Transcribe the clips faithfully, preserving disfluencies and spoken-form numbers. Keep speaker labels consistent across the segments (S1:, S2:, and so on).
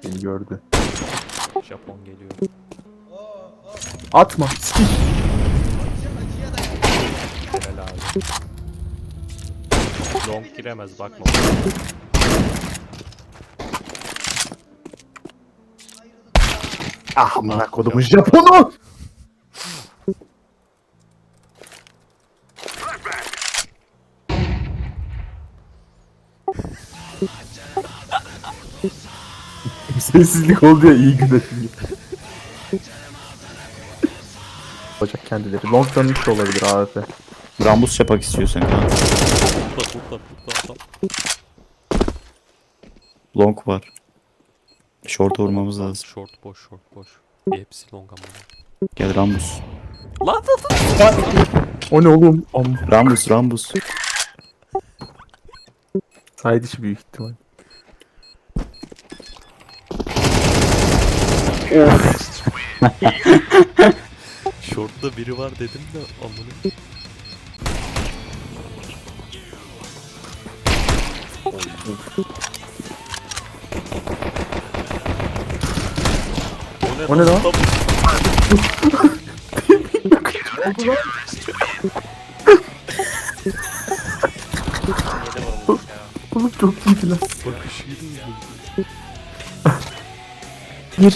S1: Beni gördü.
S2: Japon geliyor.
S1: Atma. Sikik.
S2: Helal abi. Long giremez bakma.
S1: Ah amına kodumun Japonu. Sessizlik oldu ya, iyi günler şimdi. Olacak kendileri. Long dönmüş de olabilir A W P.
S3: Rambus yapak istiyorsan kanka.
S2: Tutla tutla tutla.
S3: Long var. Short vurmamız lazım.
S2: Short boş short boş. Hepsi long ama.
S3: Gel Rambus.
S2: Lan lan
S1: O ne oğlum? Am.
S3: Rambus Rambus.
S1: Side içi büyük ihtimal.
S2: Short'ta biri var dedim de amına.
S1: O ne lan? Oğlum çok iyiydi lan.
S2: Bakışıydı mı?
S1: Bir.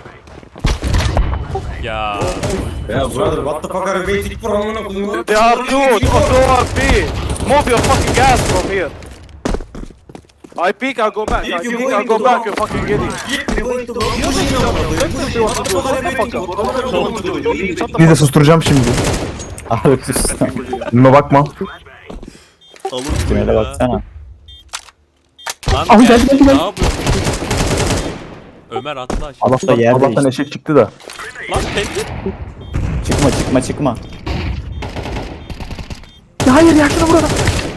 S2: Ya.
S4: Yeah, brother, what the fuck are you waiting for? I'm gonna go.
S5: They are two, two R P. Move your fucking ass from here. I peek, I'll go back. I
S4: If you
S5: peek,
S4: go
S5: I'll go
S4: into
S5: back.
S4: the-
S5: You fucking idiot.
S4: You're going to go. You're going to go. What the fuck are you waiting for? What are you going to do? You
S5: Shut the
S1: Bir de
S5: fuck
S1: susturacağım şimdi.
S3: Abi sus.
S1: Buna bakma.
S2: Alın
S3: Tünele baksana.
S2: Lan
S1: Abi
S2: gel,
S1: geldi, geldi,
S2: ne
S1: geldi.
S2: yapıyorsun? Ömer atla aşağı.
S1: Allah'tan,
S3: yer
S1: Allah'tan
S3: değişti.
S1: eşek çıktı da.
S2: Lan pencere.
S3: Çıkma çıkma çıkma.
S1: Ya hayır ya, şunu burada.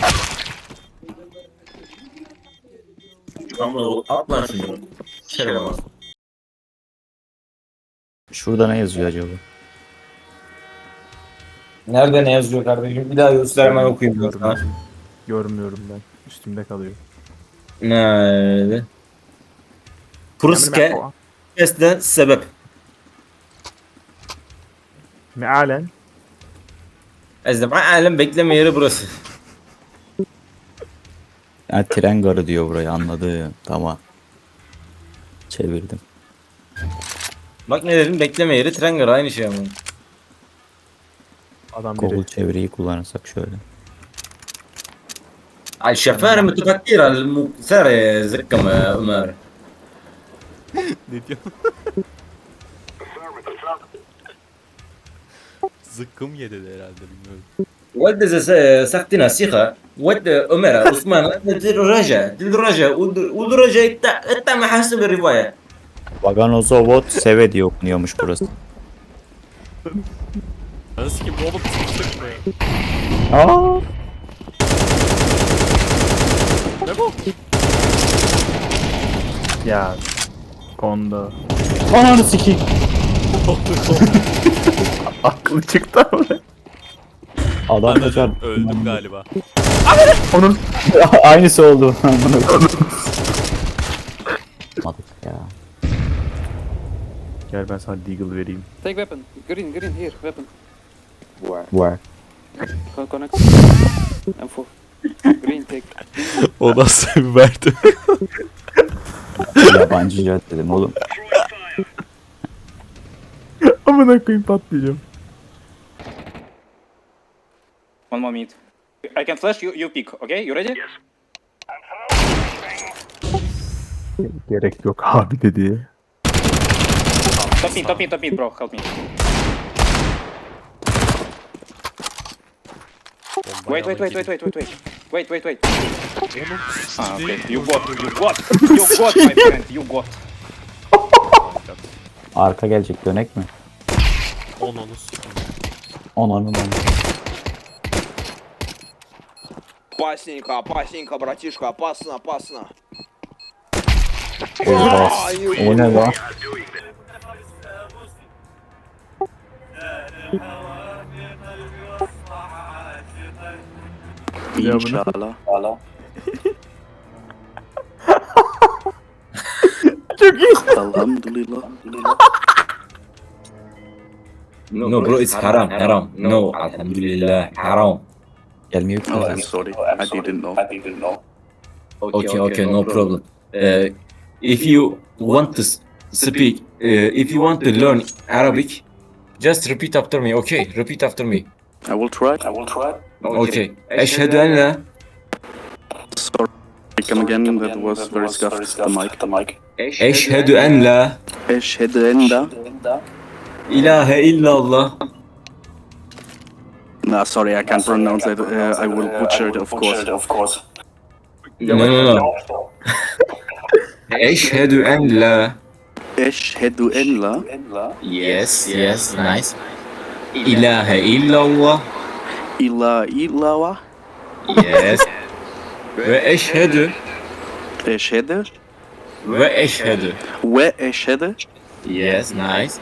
S4: Tamam, at lan şunu. Şöyle bak.
S3: Şurada ne yazıyor acaba?
S4: Nerede ne yazıyor kardeşim? Bir daha göstermen okuyayım.
S1: Görmüyorum. Görmüyorum ben. Üstümde kalıyor.
S4: Nerede? Pruske Esne sebep.
S1: Mealen.
S4: Ezdem alem bekleme yeri burası.
S3: Ha, tren garı diyor burayı, anladım. Tamam. Çevirdim.
S4: Bak ne dedim, bekleme yeri tren garı, aynı şey ama.
S1: Adam
S3: Google
S1: biri.
S3: çeviriyi kullanırsak şöyle.
S4: الشفار متفكر المكسر زكم يا عمر.
S2: Ne diyor? Zıkkım yedi de herhalde bilmiyorum.
S4: ود سختنا سيخة ود عمر عثمان دراجة دراجة ودراجة انت ما حاسب الرواية.
S3: Vaganozovot Seve diye okunuyormuş burası.
S2: Nasıl ki bu oğlum sıktık mı?
S3: Aa!
S2: Ne bu?
S1: Ya. Konda.
S3: Ananı sikeyim.
S1: Aklı çıktı ama.
S3: Adam da çarptı.
S2: Öldüm galiba.
S1: Onun.
S3: Aynısı oldu. Madık ya.
S1: Gel ben sana deagle vereyim.
S6: Take weapon. Green, green, here, weapon. Where?
S3: Var.
S6: Co- Connect. M four. Green, take.
S2: O nasıl bir verdi?
S3: Yabancı jet dedim oğlum.
S1: Amına koyayım, patlayacağım.
S6: One more minute. I can flash you, you pick, okay? You ready?
S1: Gerek yok abi dedi.
S6: Top mid, top mid, top mid, bro, help me. Wait, wait, wait, wait, wait, wait, wait. Wait, wait, wait. Ah, okay. You got, you got, you got, my friend, you got.
S3: Arka gelecek, dönek mi?
S2: On onu s***.
S3: Ananın onu.
S7: Опасненько, опасненько, братишка, опасно, опасно.
S3: Oha. O ne lan?
S1: Ya bunu.
S6: İnşallah.
S1: Çok
S8: Alhamdulillah.
S4: No bro, it's haram, haram. No, alhamdulillah, haram.
S3: Gelmiyor ki.
S8: Oh, I'm sorry. I didn't know. I didn't know.
S4: Okay, okay, no problem. Uh, if you want to s- speak, uh, if you want to learn Arabic, just repeat after me. Okay, repeat after me.
S8: I will try. I will try.
S4: Okay. Eşhedü en la
S8: Sorry. Come again. That was very scuffed. The mic. The mic.
S4: Eşhedü en la
S8: Eşhedü en la.
S4: ilahe illallah.
S8: Nah, sorry, I can't pronounce that. Uh, I will butcher it, of course. Of course.
S4: No, no, no. Eşhedü en la.
S8: Eşhedü en la.
S4: Yes, yes, nice. İlahe illallah.
S8: İla illallah.
S4: Yes. Ve eşhedü
S8: Eşhedü.
S4: ve eşhedü.
S8: Ve eşhedü.
S4: Yes, nice.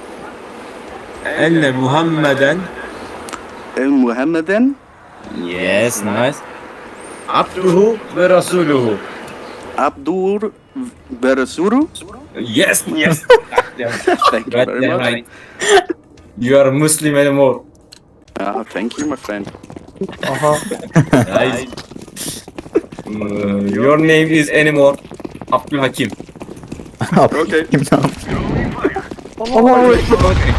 S4: Enne Muhammeden.
S8: El Muhammeden.
S4: Yes, nice. Abduhu ve rasuluhu.
S8: Abdur ve Resulu.
S4: Yes, yes.
S8: Thank you
S4: Right
S8: very
S4: there,
S8: much.
S4: right. You are Muslim anymore.
S8: Ah, thank you, my friend.
S4: Nice. Uh, your name is anymore. Abdülhakim.
S8: Okay.
S3: Kim ne yapıyor?
S4: Okay.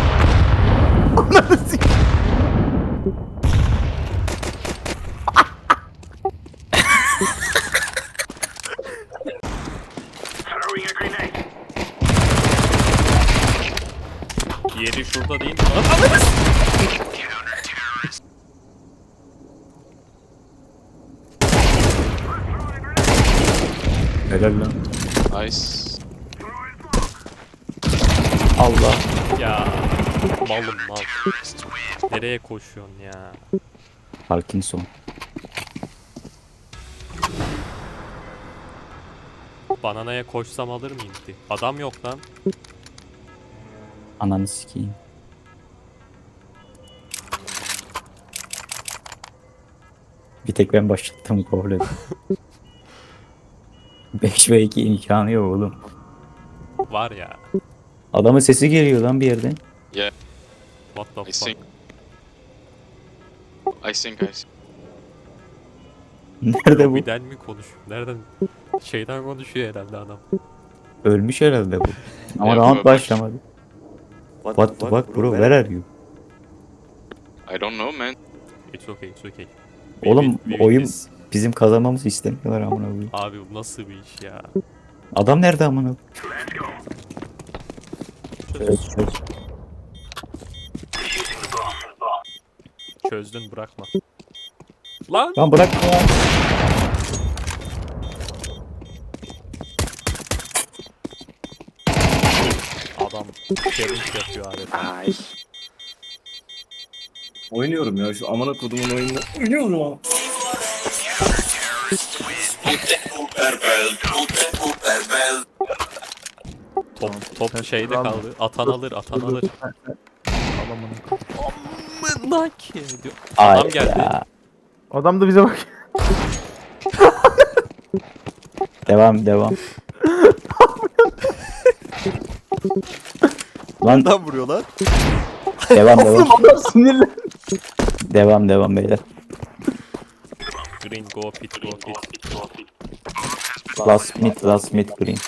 S2: Yeri şurada değil mi lan?
S3: Helal lan.
S9: Nice.
S3: Allah.
S2: Ya malım mal. Nereye koşuyorsun ya?
S3: Parkinson.
S2: Bananaya koşsam alır mıyım ki? Adam yok lan.
S3: Ananı sikeyim. Bir tek ben başlattım problemi. beş ve iki imkanı yok oğlum.
S2: Var ya.
S3: Adamın sesi geliyor lan bir yerden.
S2: What the
S9: I
S2: fuck?
S9: think. I think I think.
S3: Nerede bu?
S2: Birden mi konuşuyor? Nereden? Şeyden konuşuyor herhalde adam.
S3: Ölmüş herhalde bu. Ama
S9: Ya,
S3: round
S9: bak-
S3: başlamadı. What the fuck bro, where are you?
S9: I don't know, man.
S2: It's okay, it's okay.
S3: Oğlum,
S2: We win
S3: oyun-
S2: this.
S3: Bizim kazanmamızı istemiyorlar amına koyayım.
S2: Abi bu nasıl bir iş ya?
S3: Adam nerede amına koyayım? Çöz, çöz.
S2: Çözdün bırakma. Lan!
S3: Lan bırakma ya.
S2: Adam challenge yapıyor adeta.
S8: Nice.
S4: Oynuyorum ya şu amına kodumun oyununu. Oynuyorum abi.
S2: Top, top şeyde kaldı. Atan alır, atan alır. Amına ki diyor.
S3: Ay
S2: Adam geldi.
S3: ya.
S1: Adam da bize bak.
S3: Devam devam. Lan
S2: Adam vuruyor lan.
S3: devam devam.
S1: Adam sinirli.
S3: Devam devam beyler.
S2: Green go pit go pit.
S3: Last mid last mid green.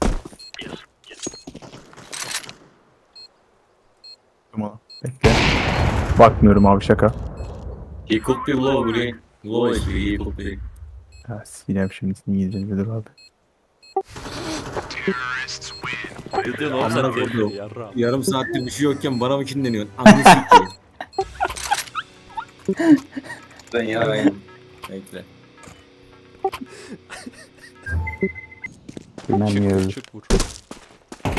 S1: Tamam. Bekle. Bakmıyorum abi, şaka.
S4: He could be low green. Low H P, he could be.
S1: Ha, sileyim şimdi İngilizce nedir abi.
S2: Ne diyorsun oğlum
S4: Amına
S2: sen
S4: koyduğum.
S2: tehlikeli yarra.
S4: Yarım saattir bir şey yokken bana mı kinleniyorsun? Ananı sikeyim. Ben yarayım. Bekle.
S3: Bilmem
S2: Çık
S3: niye
S2: vur
S3: öldü.
S2: çık vur.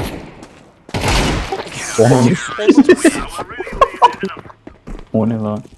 S3: O ne? O ne lan?